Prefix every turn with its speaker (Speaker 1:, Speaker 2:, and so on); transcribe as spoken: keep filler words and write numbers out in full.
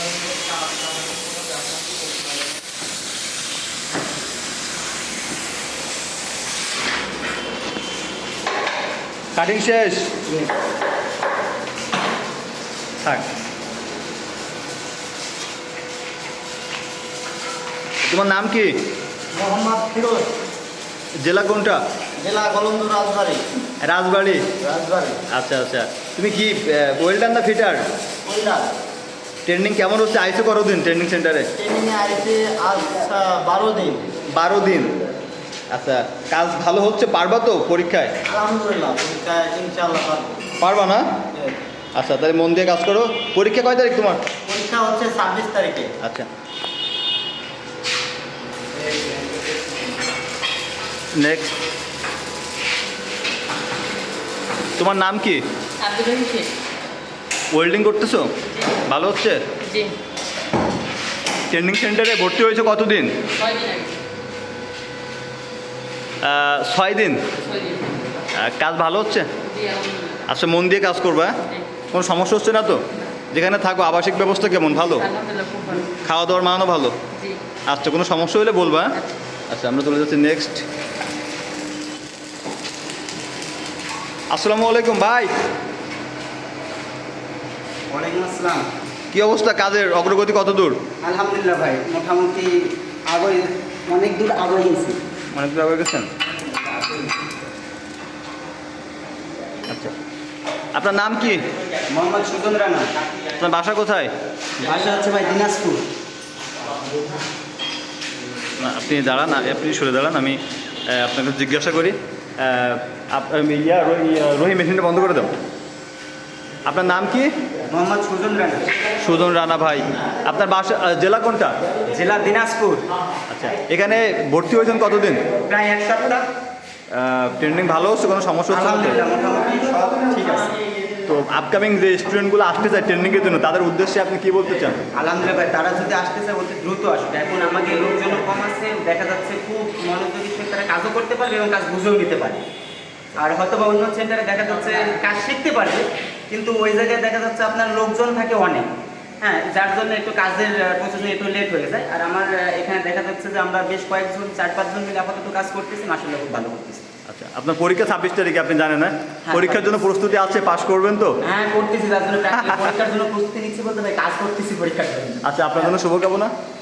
Speaker 1: Cutting শেষ থাক। তোমার নাম কি?
Speaker 2: মোহাম্মদ ফিরোজ।
Speaker 1: জেলা কোনটা?
Speaker 2: জেলা গোলন্দ রাজবাড়ি।
Speaker 1: রাজবাড়ি।
Speaker 2: রাজবাড়ি।
Speaker 1: আচ্ছা আচ্ছা, তুমি কি ওয়েল্ডার না ফিটার?
Speaker 2: ওয়েল্ডার।
Speaker 1: ট্রেনিং কেমন হচ্ছে? আইসো করো দিন ট্রেনিং সেন্টারে?
Speaker 2: ট্রেনিংয়ে আইসে আজ বারো দিন।
Speaker 1: বারো দিন। আচ্ছা, কাজ ভালো হচ্ছে? পারবা তো পরীক্ষায়?
Speaker 2: আলহামদুলিল্লাহ, পরীক্ষায় ইনশাআল্লাহ পারবো।
Speaker 1: পারবা না? আচ্ছা, তাহলে মন দিয়ে কাজ করো। পরীক্ষা কয় তারিখ তোমার?
Speaker 2: পরীক্ষা হচ্ছে ছাব্বিশ তারিখে।
Speaker 1: আচ্ছা, নেক্সট। তোমার নাম কি?
Speaker 3: আব্দুল রহিম শেখ।
Speaker 1: ওয়েল্ডিং করতেছো? ভালো হচ্ছে?
Speaker 3: জি।
Speaker 1: ট্রেনিং সেন্টারে ভর্তি হয়েছে কতদিন?
Speaker 3: ছয় দিন আগে।
Speaker 1: আহ, ছয় দিন।
Speaker 3: ছয় দিন।
Speaker 1: আহ, কাজ ভালো হচ্ছে?
Speaker 3: জি, আলহামদুলিল্লাহ।
Speaker 1: আচ্ছা, মন দিয়ে কাজ করবা।
Speaker 3: জি।
Speaker 1: কোনো সমস্যা হচ্ছে না তো? যেখানে থাকো আবাসিক ব্যবস্থা কেমন? ভালো?
Speaker 3: আলহামদুলিল্লাহ, খুব ভালো।
Speaker 1: খাওয়া দাওয়ার মানও ভালো?
Speaker 3: জি।
Speaker 1: আচ্ছা, কোনো সমস্যা হলে বলবা। আচ্ছা, আমরা চলে যাচ্ছি নেক্সট। আসসালামু আলাইকুম ভাই।
Speaker 2: ওয়ালাইকুম আসসালাম।
Speaker 1: কি অবস্থা? কাজের অগ্রগতি কত দূর?
Speaker 2: আলহামদুলিল্লাহ ভাই, মোটামুটি আগে অনেক দূর আগে গেছি।
Speaker 1: অনেক দূর আগে গেছেন? আচ্ছা, আপনার নাম কি?
Speaker 2: মোহাম্মদ সুজন রানা।
Speaker 1: আপনার বাসা কোথায়?
Speaker 2: বাসা হচ্ছে ভাই দিনাজপুর।
Speaker 1: না, আপনি দাঁড়ান, আপনি সরে দাঁড়ান, আমি আহ, আপনাকে জিজ্ঞাসা করি। আহ, আপ- ইয়া রহি- ইয়া, রহি মেশিনটা বন্ধ করে দাও। আপনার নাম কি?
Speaker 2: মোহাম্মদ সুজন রানা।
Speaker 1: সুজন রানা ভাই। আপনার বাসা আহ, জেলা কোনটা?
Speaker 2: জেলা দিনাজপুর।
Speaker 1: আচ্ছা, এখানে ভর্তি হয়েছেন কতদিন?
Speaker 2: প্রায় এক সপ্তাহ।
Speaker 1: ট্রেনিং ভালো হচ্ছে? কোনো সমস্যা হচ্ছে না তো?
Speaker 2: আলহামদুলিল্লাহ, মোটামুটি সব ঠিক আছে।
Speaker 1: তো আপকামিং যে স্টুডেন্টগুলো আসতে চায় ট্রেনিংয়ের জন্য, তাদের উদ্দেশ্যে আপনি কি বলতে চান?
Speaker 2: আলহামদুলিল্লাহ ভাই, তারা যদি আসতে চায় অতি দ্রুত আসবে। এখন আমাকে লোকজন কম আছে, দেখা যাচ্ছে খুব মনোযোগী সে তারা কাজও করতে পারবে এবং কাজ বুঝেও নিতে পারে। আর হয়তো বা অন্য সেন্টারে দেখা যাচ্ছে কাজ শিখতে পারবে, কিন্তু ওই জায়গায় দেখা যাচ্ছে আপনার লোকজন থাকে অনেক, হ্যাঁ, যার জন্য একটু কাজের প্রসেসিং একটু লেট হয়ে যায়। আর আমার আহ, এখানে দেখা যাচ্ছে যে আমরা বেশ কয়েকজন চার পাঁচজন মিলে আপাতত কাজ করতেছি, মাশাআল্লাহ খুব ভালো করতেছি।
Speaker 1: আচ্ছা, আপনার পরীক্ষা ছাব্বিশ তারিখে, আপনি জানেন না?
Speaker 2: হ্যাঁ,
Speaker 1: পরীক্ষার জন্য প্রস্তুতি আছে, পাস করবেন তো?
Speaker 2: হ্যাঁ করতেছি, তার জন্য practice- পরীক্ষার জন্য প্রস্তুতি নিচ্ছি বলতে ভাই কাজ করতেছি পরীক্ষার জন্য।
Speaker 1: আচ্ছা, আপনার জন্য শুভকামনা।